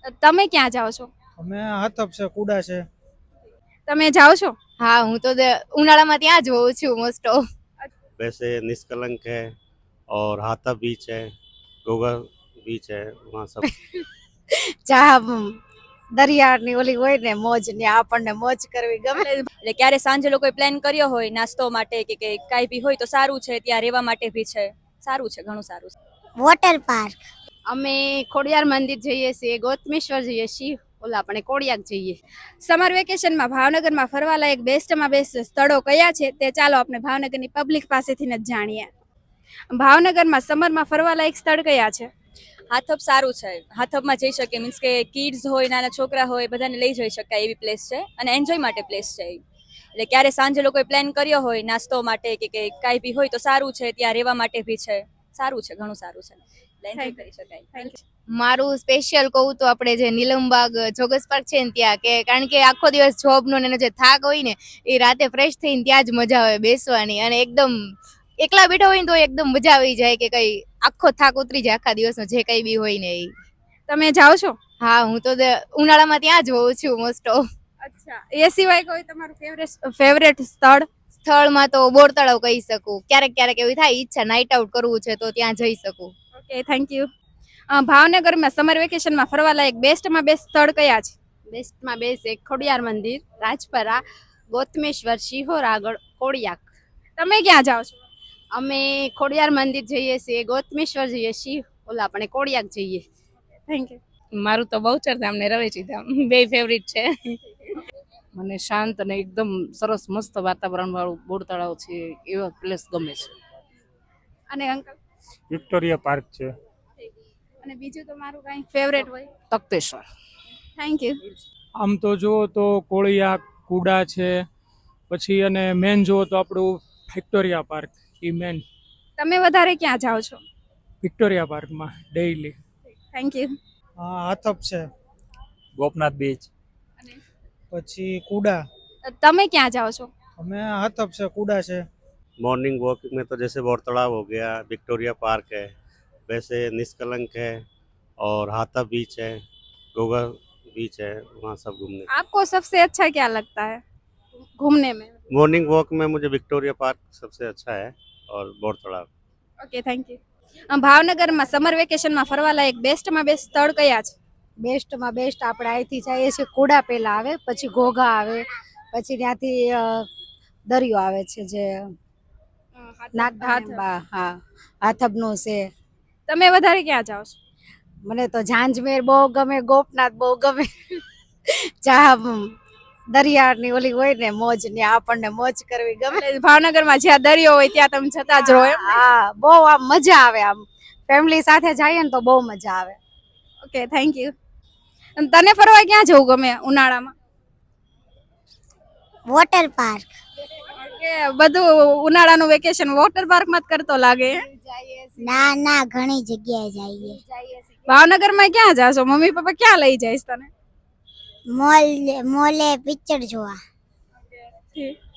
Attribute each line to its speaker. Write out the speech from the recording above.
Speaker 1: તમે ક્યાં જાઓ છો?
Speaker 2: અમે હાથપ છે, કુડા છે.
Speaker 1: તમે જાઓ છો?
Speaker 3: હા, હું તો ઉનાળામાં ત્યાં જ હોઉં છું મોસ્ટ ઓફ.
Speaker 4: वैसे निष्कलंक है और हाथा बीच है, गोगा बीच है, वहाँ सब
Speaker 3: ચા દરિયાની ઓલી હોય ને મોજ ને આપણને મોજ કરવી ગમે.
Speaker 5: એટલે ક્યારે સાંજે લોકોએ પ્લાન કર્યો હોય નાસ્તો માટે કે કાંઈ બી હોય તો સારું છે, ત્યાં રહેવા માટે બી છે, સારું છે, ઘણું સારું છે.
Speaker 6: Water park.
Speaker 3: અમે ખોડિયાર મંદિર જઈએ છીએ, ગોતમેશ્વર જઈએ છીએ, ઓલા આપણે કોડિયાક જઈએ.
Speaker 1: સમર વેકેશનમાં ભાવનગરમાં ફરવાલાયક બેસ્ટમાં બેસ્ટ સ્થળો કયા છે તે ચાલો આપણે ભાવનગરની પબ્લિક પાસેથી જ જાણીએ. ભાવનગરમાં સમરમાં ફરવાલાયક સ્થળ કયા છે?
Speaker 5: હાથપ સારું છે, હાથપમાં જઈ શકીએ, મીન્સ કે કિડ્સ હોય, નાના છોકરા હોય, બધાને લઈ જઈ શકાય એવી પ્લેસ છે અને એન્જોય માટે પ્લેસ છે. એટલે ક્યારે સાંજે લોકોએ પ્લાન કર્યો હોય નાસ્તો માટે કે કાંઈ બી હોય તો સારું છે, ત્યાં રહેવા માટે બી છે, સારું છે, ઘણું સારું છે, એટલે એન્જોય કરી શકાય.
Speaker 3: મારું સ્પેશિયલ કહું તો આપણે જે નીલમબાગ જોગસ પાર્ક છે ને ત્યાં, કે કારણ કે આખો દિવસ જોબનો ને એનો જે થાક હોય ને એ રાતે ફ્રેશ થઈને ત્યાં જ મજા આવે બેસવાની, અને એકદમ એકલા બેઠા હોય ને તો એકદમ મજા આવી જાય કે કઈ આખો થાક ઉતરી જાય આખા દિવસનો જે કઈ બી હોય ને એ.
Speaker 1: તમે જાઓ છો?
Speaker 3: હા, હું તો ઉનાળામાં ત્યાં જ હોઉં છું મોસ્ટ ઓફ.
Speaker 1: અચ્છા, એ સિવાય કોઈ તમારું ફેવરેટ સ્થળ?
Speaker 3: સ્થળમાં તો બોર તળાવ કહી શકું, ક્યારેક ક્યારેક એવી થાય ઈચ્છા નાઇટ આઉટ કરવું છે તો ત્યાં જઈ શકું.
Speaker 1: Okay, thank you. ભાવનગરમાં સમર વેકેશનમાં ફરવાલાયક બેસ્ટમાં બેસ્ટ સ્થળ કયા છે?
Speaker 3: બેસ્ટમાં બેસ્ટ એક ખોડિયાર મંદિર, રાજપરા, ગોતમેશ્વર, શિહોર આગળ, કોડિયાક.
Speaker 1: તમે ક્યાં જાઓ છો?
Speaker 3: અમે ખોડિયાર મંદિર જઈએ છીએ, ગોતમેશ્વર જઈએ છીએ, ઓલા આપણે કોડિયાક જઈએ.
Speaker 1: Thank you.
Speaker 7: મારું તો બહુચર ધામ ને રવેચી ધામ બે ફેવરિટ છે. મને શાંત અને એકદમ સરસ મસ્ત વાતાવરણ વાળું બોર તળાવ છે એવા પ્લેસ ગમે છે.
Speaker 1: અને અંકલ?
Speaker 2: વિક્ટોરિયા પાર્ક છે.
Speaker 1: અને બીજું તમારું કઈ ફેવરેટ હોય?
Speaker 7: તખ્તેશ્વર.
Speaker 1: Thank you.
Speaker 2: આમ તો જુઓ તો કોળિયા, કુડા છે, પછી અને મેન જુઓ તો આપણું વિક્ટોરિયા પાર્ક એ મેન.
Speaker 1: તમે વધારે ક્યાં જાઓ છો?
Speaker 2: વિક્ટોરિયા પાર્કમાં ડેઈલી.
Speaker 1: Thank you.
Speaker 2: હા, હાથપ છે,
Speaker 8: ગોપનાથ બીચ,
Speaker 2: પછી કુડા.
Speaker 1: તમે ક્યાં જાઓ છો?
Speaker 2: અમે હાથપ છે, કુડા છે.
Speaker 4: मॉर्निंग वॉक में तो जैसे बौर तालाब हो गया, विक्टोरिया पार्क है, वैसे निष्कलंक है और हाथा बीच है, गोगा बीच है, वहाँ सब घूमने.
Speaker 1: आपको सबसे अच्छा क्या लगता है घूमने में?
Speaker 4: मॉर्निंग वॉक में मुझे विक्टोरिया पार्क सबसे अच्छा है और Bor Talab.
Speaker 1: Okay, thank you. ભાવનગરમાં સમર વેકેશનમાં ફરવાલાયક બેસ્ટમાં બેસ્ટ સ્થળ કયા છે?
Speaker 6: બેસ્ટમાં બેસ્ટ આપણે અહીંથી જઈએ છીએ, કુડા પહેલા આવે, પછી ઘોઘા આવે, પછી ત્યાંથી દરિયો આવે છે જે નાગબા, હા, હાથબનું છે.
Speaker 1: તમે વધારે ક્યાં જાઓ છો?
Speaker 6: મને તો ઝાંઝમેર બહુ ગમે, ગોપનાથ બહુ ગમે. ચા દરિયાની ઓલી હોય ને મોજ ને આપણને મોજ કરવી ગમે.
Speaker 1: ભાવનગરમાં જ્યાં દરિયો હોય ત્યાં તમે જતા જ રહો એમ?
Speaker 6: હા, બહુ આમ મજા આવે, આમ ફેમિલી સાથે જઈએ ને તો બહુ મજા આવે.
Speaker 1: Okay, thank you. તને ફરવા ક્યાં જવું ગમે ઉનાળામાં?
Speaker 6: Water park.
Speaker 1: કે બધું ઉનાળાનું વેકેશન વોટર પાર્કમાં જ કરતો લાગે?
Speaker 6: ના ના, ઘણી જગ્યાએ જઈએ.
Speaker 1: ભાવનગરમાં ક્યાં જાશો? મમ્મી પપ્પા ક્યાં લઈ જઈશ તને?
Speaker 6: મોલે પિક્ચર જોવા.